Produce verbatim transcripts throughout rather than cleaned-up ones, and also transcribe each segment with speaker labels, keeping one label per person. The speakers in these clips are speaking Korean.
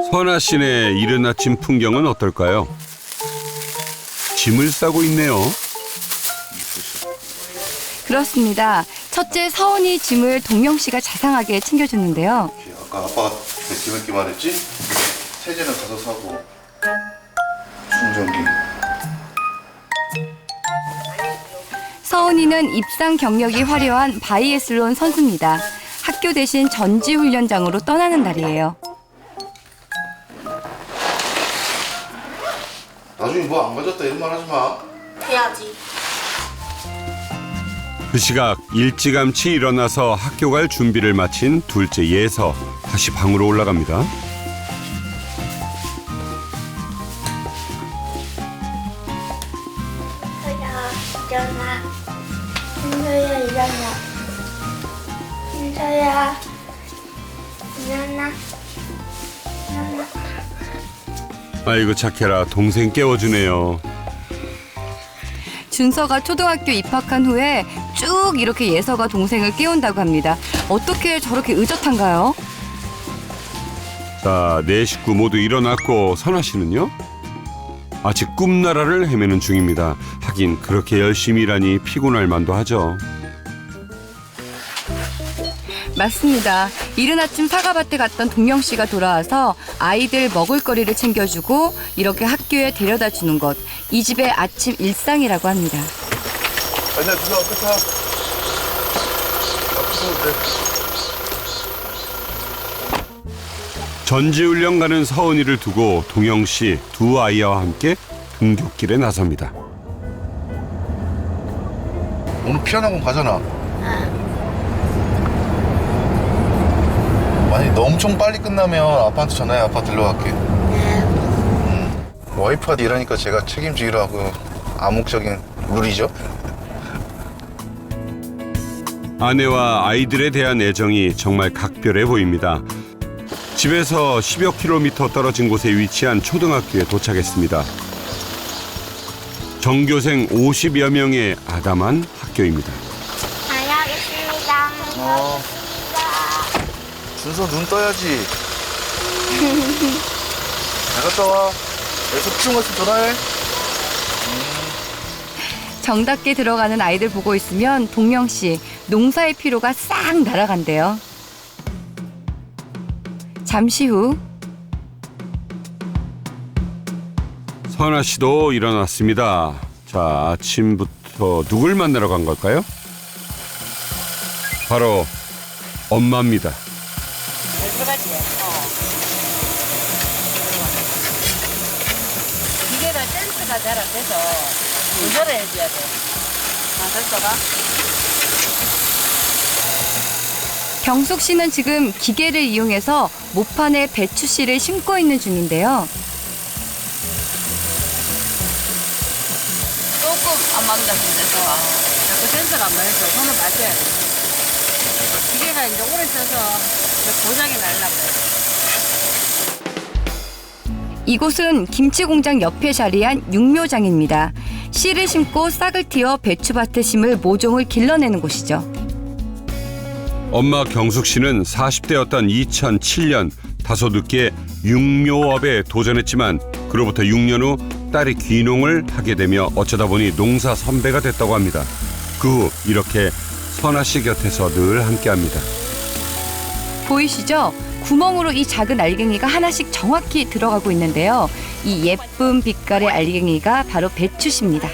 Speaker 1: 선아 씨네 이른 아침 풍경은 어떨까요? 짐을 싸고 있네요.
Speaker 2: 그렇습니다. 첫째 서은이 짐을 동영 씨가 자상하게 챙겨주는데요.
Speaker 3: 아까 아빠가 기름기 말했지? 세제는 가서 사고 충전기.
Speaker 2: 서은이는 입상 경력이 화려한 바이애슬론 선수입니다. 학교 대신 전지훈련장으로 떠나는 날이에요.
Speaker 3: 나중에 뭐 안 가졌다 이런 말 하지 마.
Speaker 4: 해야지.
Speaker 1: 그 시각 일찌감치 일어나서 학교 갈 준비를 마친 둘째 예서 다시 방으로 올라갑니다.
Speaker 4: 서야 일어나. 민서야 일어나. 민서야 일어나. 일어나.
Speaker 1: 아이고 착해라, 동생 깨워주네요.
Speaker 2: 준서가 초등학교 입학한 후에 쭉 이렇게 예서가 동생을 깨운다고 합니다. 어떻게 저렇게 의젓한가요?
Speaker 1: 자, 네 식구 모두 일어났고 선아 씨는요? 아직 꿈나라를 헤매는 중입니다. 하긴 그렇게 열심히 일하니 피곤할 만도 하죠.
Speaker 2: 맞습니다. 이른 아침 사과밭에 갔던 동영 씨가 돌아와서 아이들 먹을거리를 챙겨주고 이렇게 학교에 데려다 주는 것. 이 집의 아침 일상이라고 합니다.
Speaker 3: 아니야, 누나 앞에 타. 앞에
Speaker 1: 전지훈련 가는 서은이를 두고 동영 씨 두 아이와 함께 등굣길에 나섭니다.
Speaker 3: 오늘 피아노 가잖아. 만약에 너 엄청 빨리 끝나면 아빠한테 전화해. 아빠 들러갈게. 음. 와이프가 일하니까 제가 책임지기로 하고 암묵적인 룰이죠.
Speaker 1: 아내와 아이들에 대한 애정이 정말 각별해 보입니다. 집에서 십여 킬로미터 떨어진 곳에 위치한 초등학교에 도착했습니다. 전교생 오십여 명의 아담한 학교입니다.
Speaker 4: 다녀오겠습니다.
Speaker 3: 어. 준서 눈 떠야지. 잘 갔다 와. 여기서 피곤 갔으면 전화해.
Speaker 2: 정답게 들어가는 아이들 보고 있으면 동영 씨 농사의 피로가 싹 날아간대요. 잠시 후
Speaker 1: 선아 씨도 일어났습니다. 자, 아침부터 누굴 만나러 간 걸까요? 바로 엄마입니다.
Speaker 5: 들어가지. 어. 기계가 센스가 잘 안 돼서 조절을 해줘야 돼. 아, 센서가?
Speaker 2: 경숙 씨는 지금 기계를 이용해서 모판에 배추 씨를 심고 있는 중인데요.
Speaker 5: 조금 안 맞는다, 센서가. 자꾸 센서가 안 맞아서 손을 맞춰야 돼. 기계가 이제 오래 써서 고장이 날라고.
Speaker 2: 이곳은 김치 공장 옆에 자리한 육묘장입니다. 씨를 심고 싹을 틔어 배추밭에 심을 모종을 길러내는 곳이죠.
Speaker 1: 엄마 경숙 씨는 사십 대였던 이천칠 년 다소 늦게 육묘업에 도전했지만 그로부터 육 년 후 딸이 귀농을 하게 되며 어쩌다 보니 농사 선배가 됐다고 합니다. 그 후 이렇게 선아 씨 곁에서 늘 함께합니다.
Speaker 2: 보이시죠? 구멍으로 이 작은 알갱이가 하나씩 정확히 들어가고 있는데요. 이 예쁜 빛깔의 알갱이가 바로 배추씨입니다.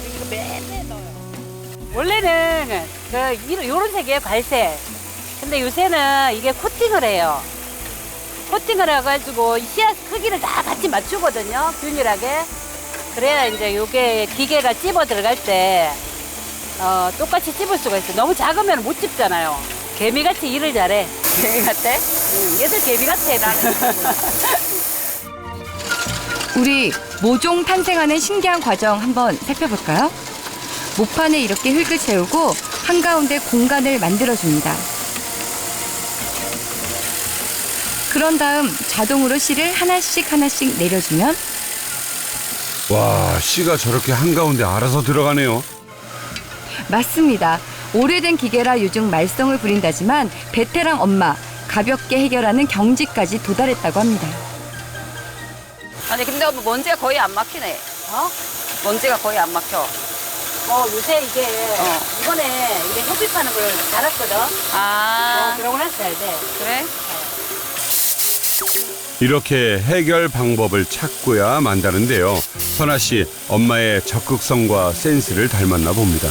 Speaker 5: 원래는 그 이런 색이에요, 갈색. 근데 요새는 이게 코팅을 해요. 코팅을 해가지고 씨앗 크기를 다 같이 맞추거든요, 균일하게. 그래야 이제 요게 기계가 찝어 들어갈 때 어, 똑같이 찝을 수가 있어요. 너무 작으면 못 찝잖아요. 개미같이 일을 잘해. 개미 같아? 응, 얘들 개미 같아, 나는.
Speaker 2: 우리 모종 탄생하는 신기한 과정 한번 살펴볼까요? 모판에 이렇게 흙을 채우고 한가운데 공간을 만들어줍니다. 그런 다음 자동으로 씨를 하나씩 하나씩 내려주면
Speaker 1: 와, 씨가 저렇게 한가운데 알아서 들어가네요.
Speaker 2: 맞습니다. 오래된 기계라 요즘 말썽을 부린다지만 베테랑 엄마 가볍게 해결하는 경지까지 도달했다고 합니다.
Speaker 6: 아니 근데 뭐 먼지가 거의 안 막히네.
Speaker 5: 어?
Speaker 6: 먼지가 거의 안 막혀.
Speaker 5: 어, 요새 이게,
Speaker 6: 어.
Speaker 5: 이번에 이게 햇빛 파는 걸 달았거든?
Speaker 6: 아
Speaker 5: 어, 그러고 나서 잘 돼.
Speaker 6: 그래?
Speaker 1: 이렇게 해결 방법을 찾고야 만다는데요. 선아 씨, 엄마의 적극성과 센스를 닮았나 봅니다.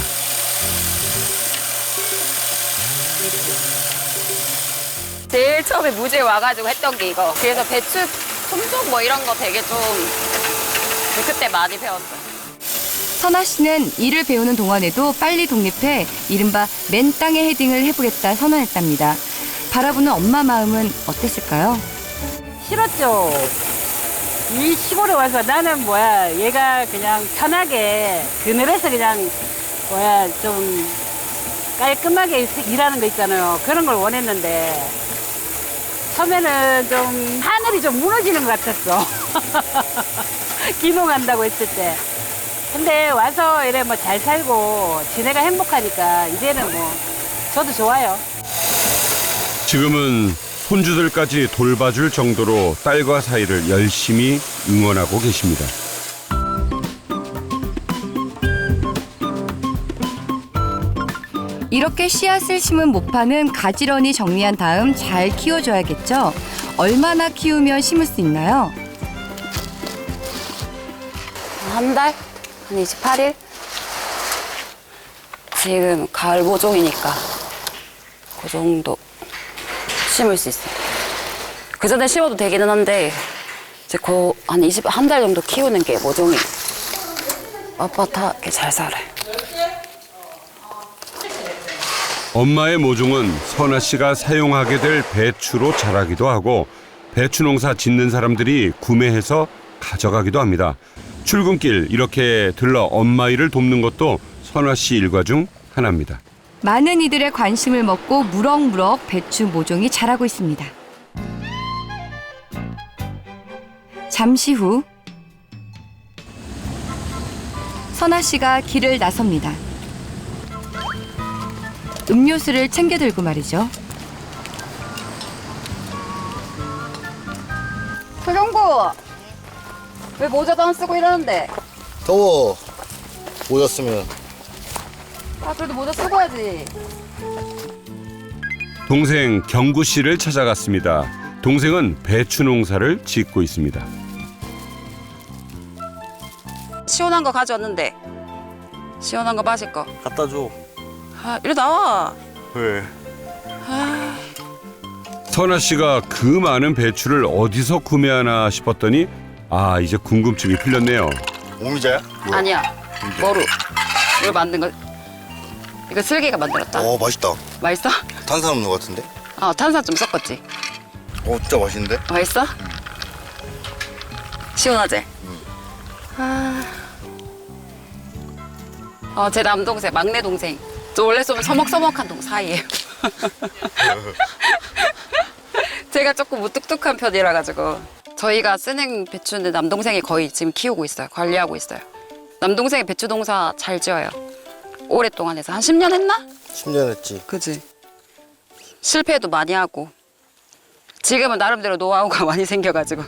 Speaker 6: 제일 처음에 무지에 와가지고 했던 게 이거. 그래서 배추 품종 뭐 이런 거 되게 좀 그때 많이 배웠어요.
Speaker 2: 선아 씨는 일을 배우는 동안에도 빨리 독립해 이른바 맨 땅에 헤딩을 해보겠다 선언했답니다. 바라보는 엄마 마음은 어땠을까요?
Speaker 5: 싫었죠. 이 시골에 와서 나는 뭐야, 얘가 그냥 편하게 그늘에서 그냥 뭐야, 좀 깔끔하게 일하는 거 있잖아요. 그런 걸 원했는데 처음에는 좀 하늘이 좀 무너지는 것 같았어. 귀농한다고 했을 때. 근데 와서 이래 뭐 잘 살고 지내가 행복하니까 이제는 뭐 저도 좋아요.
Speaker 1: 지금은 손주들까지 돌봐줄 정도로 딸과 사이를 열심히 응원하고 계십니다.
Speaker 2: 이렇게 씨앗을 심은 모파는 가지런히 정리한 다음 잘 키워줘야겠죠? 얼마나 키우면 심을 수 있나요?
Speaker 6: 한 달? 한 이십팔 일? 지금 가을 모종이니까 그 정도 심을 수 있어요. 그 전에 심어도 되기는 한데 이제 그 한 이십, 한 달 정도 키우는 게 모종이 빳빳하게 잘 살아요.
Speaker 1: 엄마의 모종은 선아 씨가 사용하게 될 배추로 자라기도 하고 배추 농사 짓는 사람들이 구매해서 가져가기도 합니다. 출근길 이렇게 들러 엄마 일을 돕는 것도 선아 씨 일과 중 하나입니다.
Speaker 2: 많은 이들의 관심을 먹고 무럭무럭 배추 모종이 자라고 있습니다. 잠시 후 선아 씨가 길을 나섭니다. 음료수를 챙겨 들고 말이죠.
Speaker 6: 소경구! 왜 모자도 안 쓰고 이러는데?
Speaker 3: 더워. 모자 쓰면.
Speaker 6: 아 그래도 모자 쓰고 해야지.
Speaker 1: 동생 경구 씨를 찾아갔습니다. 동생은 배추 농사를 짓고 있습니다.
Speaker 6: 시원한 거 가져왔는데 시원한 거 마실 거.
Speaker 3: 갖다 줘.
Speaker 6: 아 이리 나와.
Speaker 3: 왜?
Speaker 1: 선아 씨가 그 많은 배추를 어디서 구매하나 싶었더니 아 이제 궁금증이 풀렸네요.
Speaker 3: 오미자야?
Speaker 6: 아니야. 머루. 이거 만든 거. 이거 슬기가 만들었다.
Speaker 3: 어, 맛있다.
Speaker 6: 맛있어?
Speaker 3: 탄산 없는 것 같은데?
Speaker 6: 아 탄산 좀 섞었지.
Speaker 3: 어, 진짜 맛있는데?
Speaker 6: 맛있어? 시원하지? 아. 어, 제 남동생, 막내 동생. 저 원래 좀 서먹서먹한 동 사이예요. 제가 조금 무뚝뚝한 편이라 가지고 저희가 쓰는 배추는 남동생이 거의 지금 키우고 있어요. 관리하고 있어요. 남동생이 배추 농사 잘 지어요. 오랫동안 해서 한 십 년 했나?
Speaker 3: 십 년 했지.
Speaker 6: 그지. 실패도 많이 하고 지금은 나름대로 노하우가 많이 생겨가지고.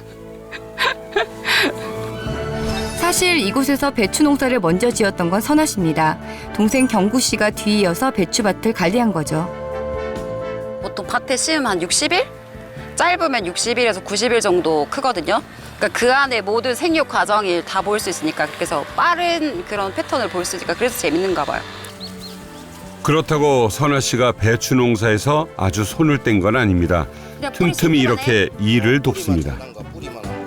Speaker 2: 사실 이곳에서 배추 농사를 먼저 지었던 건 선아 씨입니다. 동생 경구 씨가 뒤이어서 배추밭을 관리한 거죠.
Speaker 6: 보통 밭에 심으면 한 육십 일? 짧으면 육십 일에서 구십 일 정도 크거든요. 그러니까 그 안에 모든 생육 과정을 다 볼 수 있으니까 그래서 빠른 그런 패턴을 볼 수 있으니까 그래서 재밌는가 봐요.
Speaker 1: 그렇다고 선아 씨가 배추 농사에서 아주 손을 뗀 건 아닙니다.
Speaker 6: 그냥 뿌리
Speaker 1: 틈틈이
Speaker 6: 씹기만
Speaker 1: 이렇게 일을 돕습니다.
Speaker 3: 뿌리만 안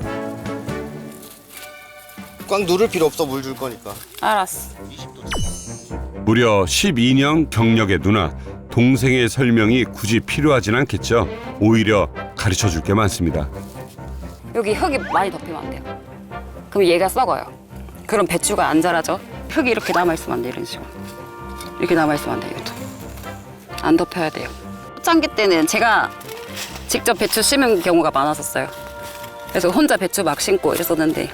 Speaker 3: 꽉 누를 필요 없어. 물 줄 거니까.
Speaker 6: 알았어.
Speaker 1: 무려 십이 년 경력의 누나. 동생의 설명이 굳이 필요하진 않겠죠. 오히려 가르쳐 줄 게 많습니다.
Speaker 6: 여기 흙이 많이 덮이면 안 돼요. 그럼 얘가 썩어요. 그럼 배추가 안 자라죠. 흙이 이렇게 남아있으면 안 돼, 이런 식으로. 이렇게 남아있으면 안 돼요, 이것도. 안 덮여야 돼요. 초창기 때는 제가 직접 배추 심은 경우가 많았었어요. 그래서 혼자 배추 막 심고 이랬었는데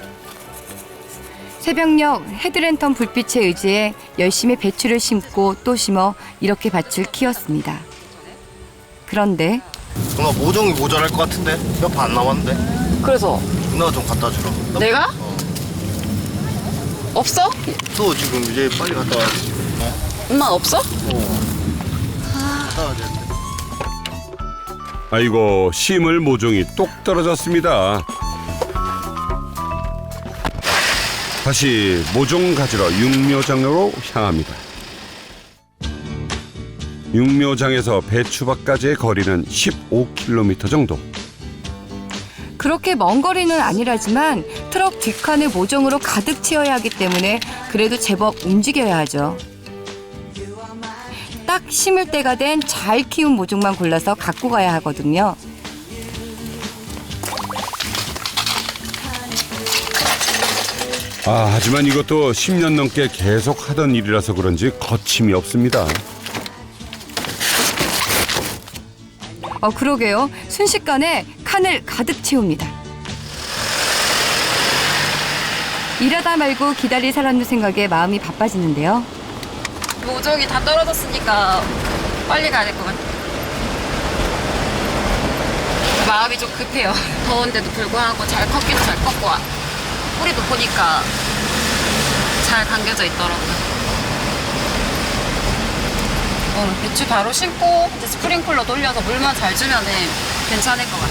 Speaker 2: 새벽녘 헤드랜턴 불빛에 의지해 열심히 배추를 심고 또 심어 이렇게 밭을 키웠습니다. 그런데
Speaker 3: 누나 모종이 모자랄 것 같은데? 몇 판 안 남았는데?
Speaker 6: 그래서
Speaker 3: 누나가 좀 갖다 주라. 나
Speaker 6: 내가? 없어?
Speaker 3: 또 지금 이제 빨리 갔다 와야지. 어?
Speaker 6: 엄마 없어?
Speaker 3: 갔다 와야 돼.
Speaker 1: 아이고 심을 모종이 똑 떨어졌습니다. 다시 모종 가지러 육묘장으로 향합니다. 육묘장에서 배추밭까지의 거리는 십오 킬로미터 정도.
Speaker 2: 그렇게 먼 거리는 아니라지만 트럭 뒷칸을 모종으로 가득 채워야 하기 때문에 그래도 제법 움직여야 하죠. 딱 심을 때가 된 잘 키운 모종만 골라서 갖고 가야 하거든요.
Speaker 1: 아, 하지만 이것도 십 년 넘게 계속 하던 일이라서 그런지 거침이 없습니다.
Speaker 2: 어, 그러게요. 순식간에 칸을 가득 채웁니다. 일하다 말고 기다릴 사람들 생각에 마음이 바빠지는데요.
Speaker 6: 모종이 다 떨어졌으니까 빨리 가야 될 것 같아. 마음이 좀 급해요. 더운데도 불구하고 잘 컸기도 잘 컸고 뿌리도 보니까 잘 감겨져 있더라고요. 어, 배추 바로 심고 이제 스프링클러 돌려서 물만 잘 주면 괜찮을 것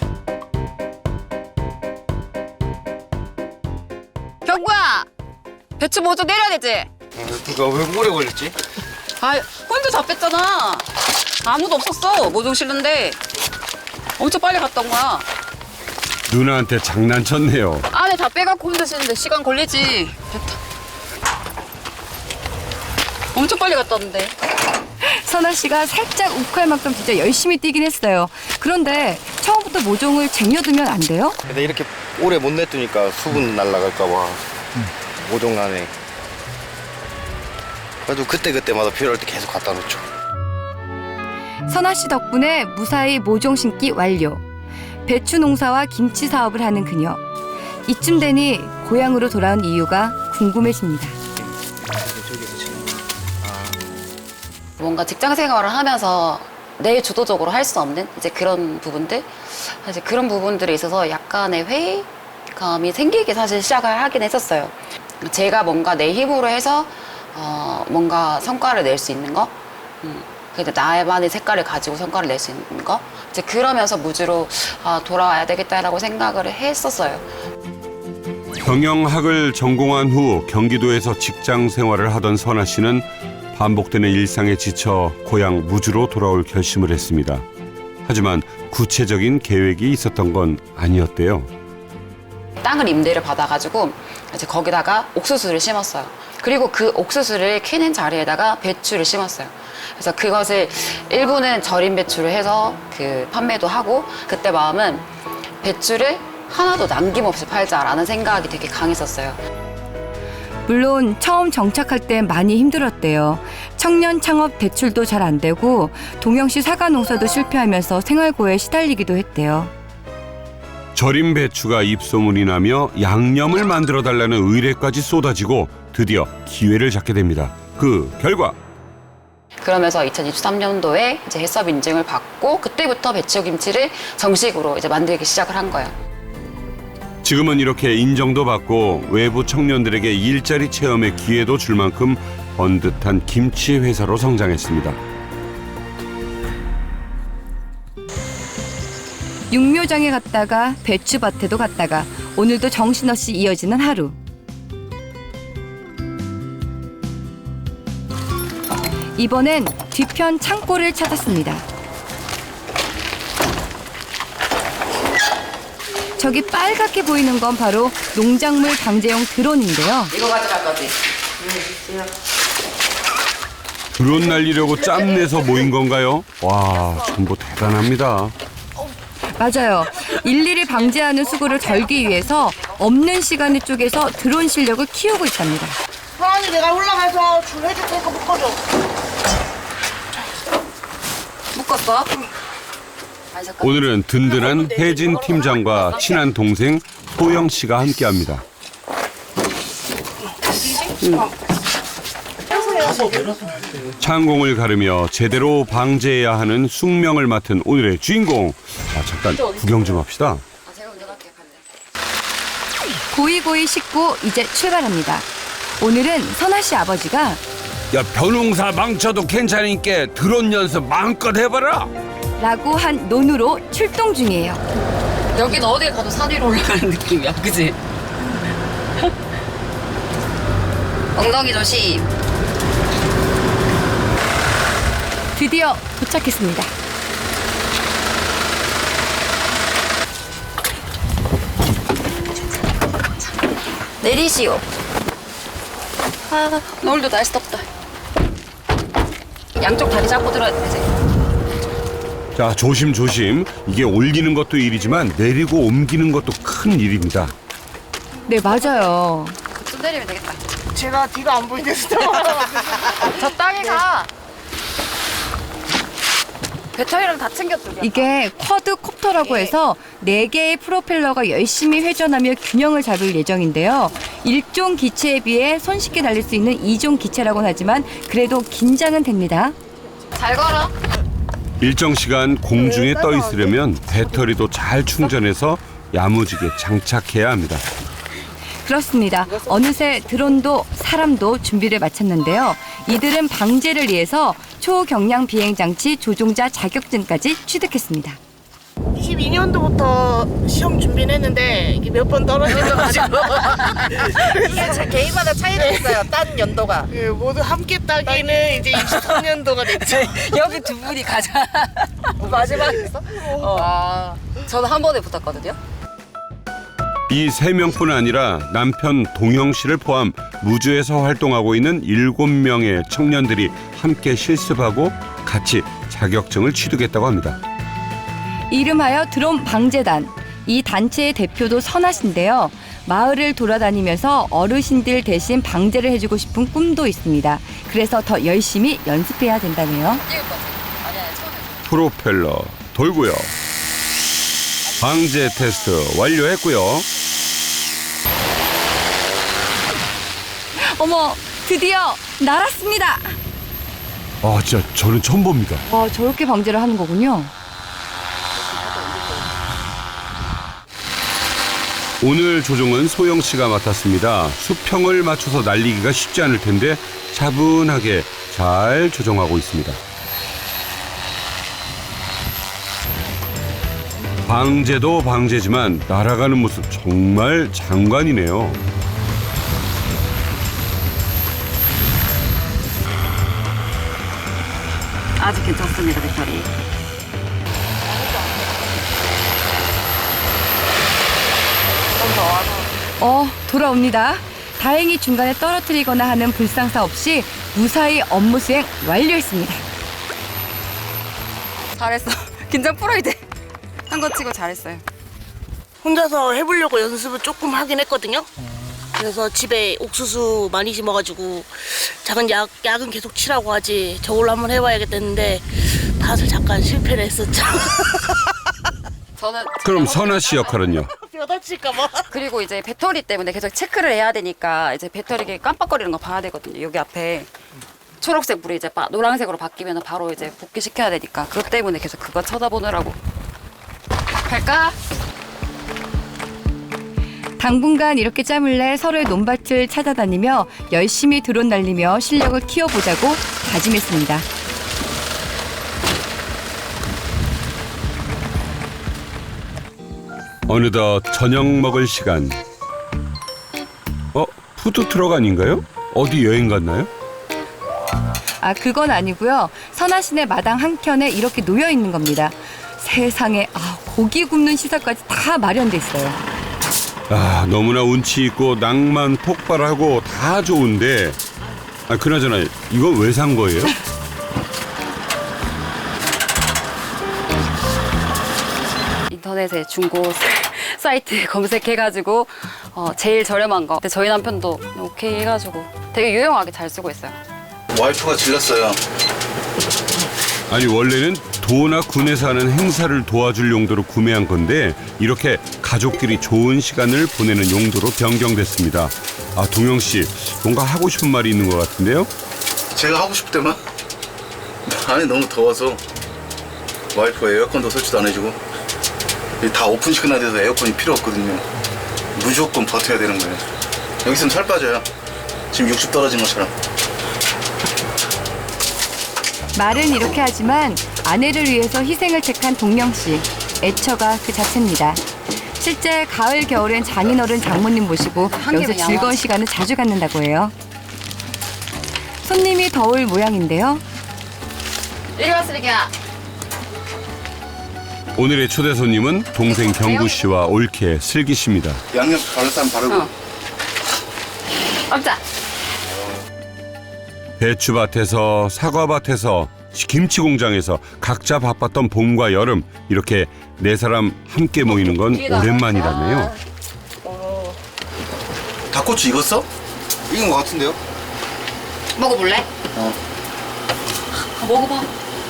Speaker 6: 같아요. 경구야! 배추 모종 내려야 되지?
Speaker 3: 그거 왜 오래 걸렸지?
Speaker 6: 아, 혼자 다 뺐잖아. 아무도 없었어. 모종 실는데 엄청 빨리 갔던 거야.
Speaker 1: 누나한테 장난쳤네요.
Speaker 6: 안에 다 빼갖고 혼자 실는데 시간 걸리지. 됐다. 엄청 빨리 갔다 왔는데.
Speaker 2: 선아 씨가 살짝 욱할 만큼 진짜 열심히 뛰긴 했어요. 그런데 처음부터 모종을 쟁여두면 안 돼요?
Speaker 3: 근데 이렇게 오래 못 냅두니까 수분 날라갈까 봐 모종 나네. 그래도 그때그때마다 필요할 때 계속 갖다 놓죠.
Speaker 2: 선아 씨 덕분에 무사히 모종 심기 완료. 배추 농사와 김치 사업을 하는 그녀. 이쯤 되니 고향으로 돌아온 이유가 궁금해집니다.
Speaker 6: 뭔가 직장 생활을 하면서 내 주도적으로 할 수 없는 이제 그런 부분들, 사실 그런 부분들에 있어서 약간의 회의감이 생기기 사실 시작을 하긴 했었어요. 제가 뭔가 내 힘으로 해서 어, 뭔가 성과를 낼 수 있는 거, 음, 그래도 나만의 색깔을 가지고 성과를 낼 수 있는 거, 이제 그러면서 무주로 아, 돌아와야 되겠다라고 생각을 했었어요.
Speaker 1: 경영학을 전공한 후 경기도에서 직장 생활을 하던 선아 씨는 반복되는 일상에 지쳐 고향 무주로 돌아올 결심을 했습니다. 하지만 구체적인 계획이 있었던 건 아니었대요.
Speaker 6: 땅을 임대를 받아가지고 이제 거기다가 옥수수를 심었어요. 그리고 그 옥수수를 캐는 자리에다가 배추를 심었어요. 그래서 그것을 일부는 절임 배추를 해서 그 판매도 하고, 그때 마음은 배추를 하나도 남김없이 팔자라는 생각이 되게 강했었어요.
Speaker 2: 물론 처음 정착할 때 많이 힘들었대요. 청년 창업 대출도 잘 안 되고 동영시 사과 농사도 실패하면서 생활고에 시달리기도 했대요.
Speaker 1: 절임 배추가 입소문이 나며 양념을 만들어 달라는 의뢰까지 쏟아지고 드디어 기회를 잡게 됩니다. 그 결과
Speaker 6: 그러면서 이천이십삼 년도에 이제 해썹 인증을 받고 그때부터 배추김치를 정식으로 이제 만들기 시작을 한 거예요.
Speaker 1: 지금은 이렇게 인정도 받고 외부 청년들에게 일자리 체험의 기회도 줄 만큼 번듯한 김치 회사로 성장했습니다.
Speaker 2: 육묘장에 갔다가 배추밭에도 갔다가 오늘도 정신없이 이어지는 하루. 이번엔 뒤편 창고를 찾았습니다. 저기 빨갛게 보이는 건 바로 농작물 방제용 드론인데요.
Speaker 6: 이거 가져갈 거지?
Speaker 1: 드론 날리려고 짬내서 모인 건가요? 와, 정보 대단합니다.
Speaker 2: 맞아요. 일일이 방제하는 수고를 덜기 위해서 없는 시간을 쪼개서 드론 실력을 키우고 있답니다.
Speaker 7: 하은이 내가 올라가서 줄 해줄 테니까 묶어줘.
Speaker 6: 묶었어?
Speaker 1: 오늘은 든든한 혜진 팀장과 친한 동생 소영 씨가 함께합니다. 창공을 가르며 제대로 방제해야 하는 숙명을 맡은 오늘의 주인공. 아, 잠깐 구경 좀 합시다.
Speaker 6: 제가 운전할게요.
Speaker 2: 고이고이 씻고 이제 출발합니다. 오늘은 선아 씨 아버지가
Speaker 1: 야, 벼농사 망쳐도 괜찮으니까 드론 연습 마음껏 해봐라.
Speaker 2: 라고 한 논으로 출동 중이에요.
Speaker 6: 여긴 어딜 가도 산 위로 올라가는 느낌이야, 그지? 엉덩이 조심.
Speaker 2: 드디어 도착했습니다.
Speaker 6: 내리시오. 아, 오늘도 날씨 덥다. 양쪽 다리 잡고 들어야 되지.
Speaker 1: 자, 조심조심. 이게 올리는 것도 일이지만 내리고 옮기는 것도 큰 일입니다.
Speaker 2: 네, 맞아요.
Speaker 6: 좀 내리면 되겠다.
Speaker 7: 제가 뒤가 안 보이는데
Speaker 6: 저 땅에 가. 배터리랑 다 챙겼죠.
Speaker 2: 이게 쿼드콥터라고 해서 네 개의 프로펠러가 열심히 회전하며 균형을 잡을 예정인데요. 일종 기체에 비해 손쉽게 달릴 수 있는 이종 기체라고는 하지만 그래도 긴장은 됩니다.
Speaker 6: 잘 걸어.
Speaker 1: 일정 시간 공중에 떠 있으려면 배터리도 잘 충전해서 야무지게 장착해야 합니다.
Speaker 2: 그렇습니다. 어느새 드론도 사람도 준비를 마쳤는데요. 이들은 방제를 위해서 초경량 비행장치 조종자 자격증까지 취득했습니다.
Speaker 7: 이십이 년도부터 시험 준비는 했는데 이게 몇 번 떨어져가지고
Speaker 8: 이게 제 개인마다 차이가 있어요. 딴 연도가.
Speaker 7: 그 모두 함께 따기는 이제 이십삼 년도가 됐죠.
Speaker 6: 여기 두 분이 가자.
Speaker 8: 마지막에 있어?
Speaker 6: 어. 저는 한 번에 붙었거든요.
Speaker 1: 이 세 명뿐 아니라 남편 동영 씨를 포함 무주에서 활동하고 있는 일곱 명의 청년들이 함께 실습하고 같이 자격증을 취득했다고 합니다.
Speaker 2: 이름하여 드론 방제단. 이 단체의 대표도 선아 씨인데요. 마을을 돌아다니면서 어르신들 대신 방제를 해주고 싶은 꿈도 있습니다. 그래서 더 열심히 연습해야 된다네요.
Speaker 1: 프로펠러 돌고요. 방제 테스트 완료했고요.
Speaker 2: 어머, 드디어 날았습니다.
Speaker 1: 아, 진짜 저는 처음 봅니다.
Speaker 2: 와, 저렇게 방제를 하는 거군요.
Speaker 1: 오늘 조종은 소영 씨가 맡았습니다. 수평을 맞춰서 날리기가 쉽지 않을 텐데 차분하게 잘 조종하고 있습니다. 방제도 방제지만 날아가는 모습 정말 장관이네요.
Speaker 6: 아직 괜찮습니다, 배터리.
Speaker 2: 어, 돌아옵니다. 다행히 중간에 떨어뜨리거나 하는 불상사 없이 무사히 업무 수행 완료했습니다.
Speaker 6: 잘했어. 긴장 풀어야 돼. 한 거 치고 잘했어요.
Speaker 7: 혼자서 해보려고 연습을 조금 하긴 했거든요. 그래서 집에 옥수수 많이 심어가지고 작은 약, 약은 계속 치라고 하지 저걸로 한번 해봐야겠다 했는데 다들 잠깐 실패를 했었죠.
Speaker 6: 저는
Speaker 1: 그럼 선아 씨 역할은요?
Speaker 7: 뼈다칠까봐.
Speaker 6: 그리고 이제 배터리 때문에 계속 체크를 해야 되니까 이제 배터리 깜빡거리는 거 봐야 되거든요. 여기 앞에 초록색 불이 이제 바, 노란색으로 바뀌면 바로 이제 복귀시켜야 되니까 그것 때문에 계속 그거 쳐다보느라고. 갈까?
Speaker 2: 당분간 이렇게 짬을 내 서로의 논밭을 찾아다니며 열심히 드론 날리며 실력을 키워보자고 다짐했습니다.
Speaker 1: 어느덧 저녁 먹을 시간. 어? 푸드트럭 아닌가요? 어디 여행 갔나요?
Speaker 2: 아, 그건 아니고요. 선아 씨네 마당 한켠에 이렇게 놓여 있는 겁니다. 세상에, 아, 고기 굽는 시설까지 다 마련돼 있어요.
Speaker 1: 아, 너무나 운치 있고 낭만 폭발하고 다 좋은데, 아, 그나저나 이건 왜 산 거예요?
Speaker 6: 인터넷에 중고 사이트 검색해가지고 어, 제일 저렴한 거. 근데 저희 남편도 오케이 해가지고 되게 유용하게 잘 쓰고 있어요.
Speaker 3: 와이프가 질렀어요.
Speaker 1: 아니, 원래는 도나 군에서 하는 행사를 도와줄 용도로 구매한 건데 이렇게 가족끼리 좋은 시간을 보내는 용도로 변경됐습니다. 아, 동영 씨, 뭔가 하고 싶은 말이 있는 것 같은데요?
Speaker 3: 제가 하고 싶을 때만 안에 너무 더워서 와이프가 에어컨도 설치도 안 해주고 다 오픈 시켜놔야 돼서 에어컨이 필요 없거든요. 무조건 버텨야 되는 거예요. 여기 있으면 살 빠져요. 지금 육십 떨어진 것처럼.
Speaker 2: 말은 이렇게 하지만 아내를 위해서 희생을 택한 동영 씨. 애처가 그 자체입니다. 실제 가을 겨울엔 장인어른 장모님 모시고 여기서 즐거운 시간을 자주 갖는다고 해요. 손님이 더 올 모양인데요.
Speaker 6: 이리 와, 쓰레기야.
Speaker 1: 오늘의 초대 손님은 동생 경구 씨와 올케 슬기 씨입니다.
Speaker 3: 양념 바를 사람 바르고.
Speaker 6: 어. 없자.
Speaker 1: 배추밭에서 사과밭에서 김치 공장에서 각자 바빴던 봄과 여름 이렇게 네 사람 함께 모이는 건 오랜만이라네요.
Speaker 3: 닭꼬치 익었어? 익은 것 같은데요?
Speaker 6: 먹어볼래?
Speaker 3: 어.
Speaker 6: 아, 먹어봐.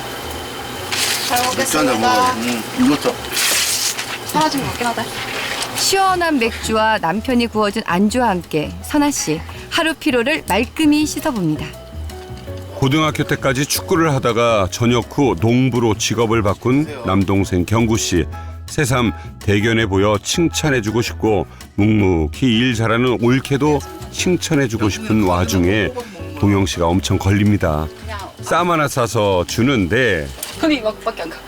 Speaker 6: 잘
Speaker 3: 맥주 한잔 먹어. 응, 익었어.
Speaker 6: 사라진 것 같긴 하다.
Speaker 2: 시원한 맥주와 남편이 구워준 안주와 함께 선아 씨 하루 피로를 말끔히 씻어봅니다.
Speaker 1: 고등학교 때까지 축구를 하다가 전역 후 농부로 직업을 바꾼 남동생 경구 씨. 새삼 대견해 보여 칭찬해주고 싶고 묵묵히 일 잘하는 올케도 칭찬해주고 싶은 와중에 동영 씨가 엄청 걸립니다. 쌈 하나 싸서 주는데
Speaker 6: 손이 이만큼밖에 안 가.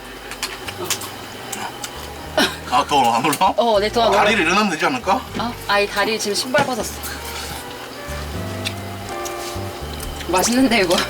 Speaker 3: 아, 더 안 올라?
Speaker 6: 어, 내 돈 안 올라.
Speaker 3: 다리를 일어나면 되지 않을까?
Speaker 6: 어? 아이 다리 지금 신발 벗었어. 맛있는데 이거.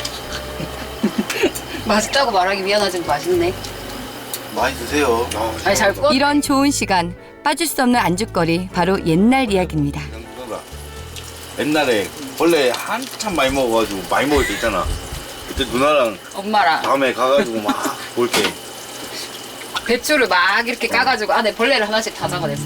Speaker 6: 맛있다고 말하기 미안하지만 맛있네.
Speaker 3: 많이 드세요. 아,
Speaker 6: 아니 잘 구워.
Speaker 2: 이런 좋은 시간 빠질 수 없는 안주거리 바로 옛날 이야기입니다.
Speaker 9: 옛날에 원래 한참 많이 먹어가지고 많이 먹을 때 있잖아. 그때 누나랑
Speaker 6: 엄마랑
Speaker 9: 밤에 가가지고 막 볼게.
Speaker 6: 배추를 막 이렇게 까가지고 안에 벌레를 하나씩 다 잡아냈어.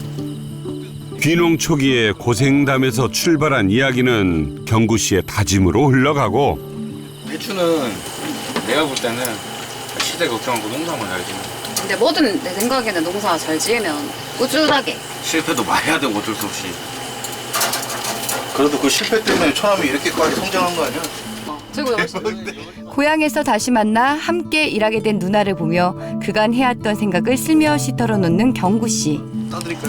Speaker 1: 귀농 초기에 고생담에서 출발한 이야기는 경구 씨의 다짐으로 흘러가고
Speaker 9: 배추는 내가 볼 때는 시대 걱정하고 농사만 잘 지면
Speaker 6: 근데 뭐든 내 생각에는 농사 잘 지으면 꾸준하게.
Speaker 9: 실패도 많이 해야 되고 어쩔 수 없이.
Speaker 3: 그래도 그 실패 때문에 처남이 이렇게까지 성장한 거 아니야?
Speaker 6: 어, 최고야. 훨씬.
Speaker 2: 고향에서 다시 만나 함께 일하게 된 누나를 보며 그간 해왔던 생각을 슬며시 털어놓는 경구 씨.
Speaker 3: 따드릴까요?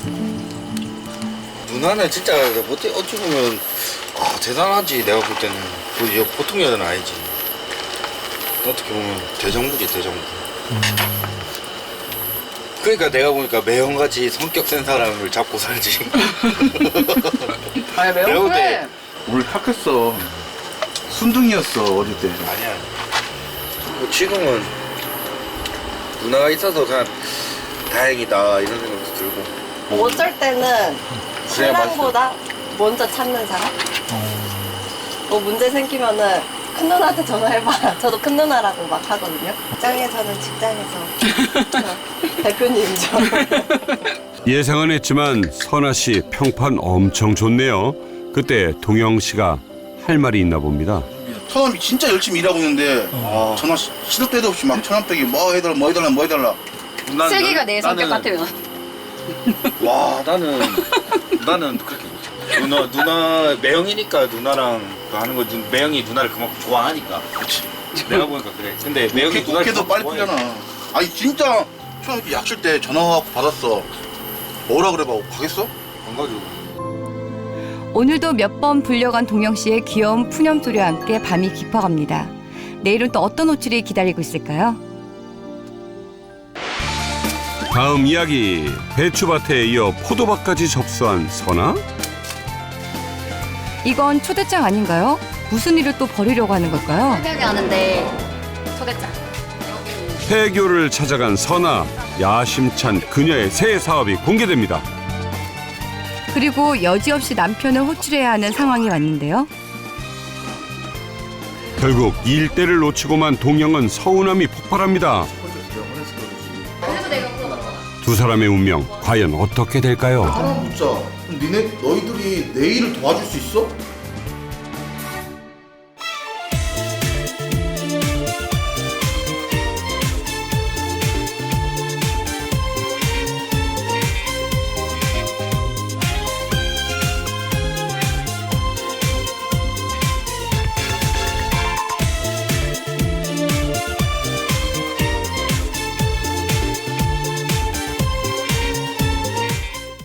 Speaker 9: 누나는 진짜 어찌, 어찌 보면 아, 대단하지. 내가 볼 때는 그 여- 보통 여자는 아니지. 어떻게 보면 대정부지 대정부. 그러니까 내가 보니까 매형같이 성격 센 사람을 잡고 살지.
Speaker 6: 아니
Speaker 9: 내가
Speaker 6: 매운
Speaker 9: 볼
Speaker 6: 그래.
Speaker 9: 때
Speaker 3: 오늘 착했어. 순둥이였어, 어릴 때.
Speaker 9: 아니야. 뭐 지금은 누나가 있어서 그냥 다행이다 이런 생각도 들고.
Speaker 8: 어쩔 때는 신랑보다 먼저 찾는 사람? 뭐 문제 생기면은 큰 누나한테 전화해봐. 저도 큰 누나라고 막 하거든요. 직장에서는 직장에서 어, 대표님이죠.
Speaker 1: 예상은 했지만 선아 씨 평판 엄청 좋네요. 그때 동영 씨가 할 말이 있나 봅니다.
Speaker 3: 처남이 진짜 열심히 일하고 있는데 아, 전화 시- 시도 때도 없이 막 처남댁이 뭐 해달라 뭐 해달라 뭐 해달라.
Speaker 9: 난-
Speaker 6: 슬기가 내 성격
Speaker 9: 나는-
Speaker 6: 같으면
Speaker 9: 와 나는 나는 그렇게 못해. 누나 누나 매형이니까 누나랑 그 하는 거 누- 매형이 누나를 그만큼 좋아하니까.
Speaker 3: 그렇지.
Speaker 9: 내가 보니까 그래. 근데 매형이 누나를
Speaker 3: 국회도 빨리
Speaker 9: 좋아해.
Speaker 3: 풀잖아. 아니 진짜 처음 이렇게 약실 때 전화하고 받았어. 뭐라 그래 봐. 가겠어?
Speaker 9: 안 가지고.
Speaker 2: 오늘도 몇 번 불려간 동영 씨의 귀여운 푸념소리와 함께 밤이 깊어갑니다. 내일은 또 어떤 호출이 기다리고 있을까요?
Speaker 1: 다음 이야기 배추밭에 이어 포도밭까지 접수한 선아?
Speaker 2: 이건 초대장 아닌가요? 무슨 일을 또 벌이려고 하는 걸까요?
Speaker 6: 생각이 하는데 초대장.
Speaker 1: 폐교를 찾아간 선아. 야심찬 그녀의 새 사업이 공개됩니다.
Speaker 2: 그리고 여지없이 남편을 호출해야 하는 상황이 왔는데요.
Speaker 1: 결국 일대를 놓치고만 동영은 서운함이 폭발합니다. 두 사람의 운명 과연 어떻게 될까요?
Speaker 3: 진짜. 그럼 니네 너희들이 내 일을 도와줄 수 있어?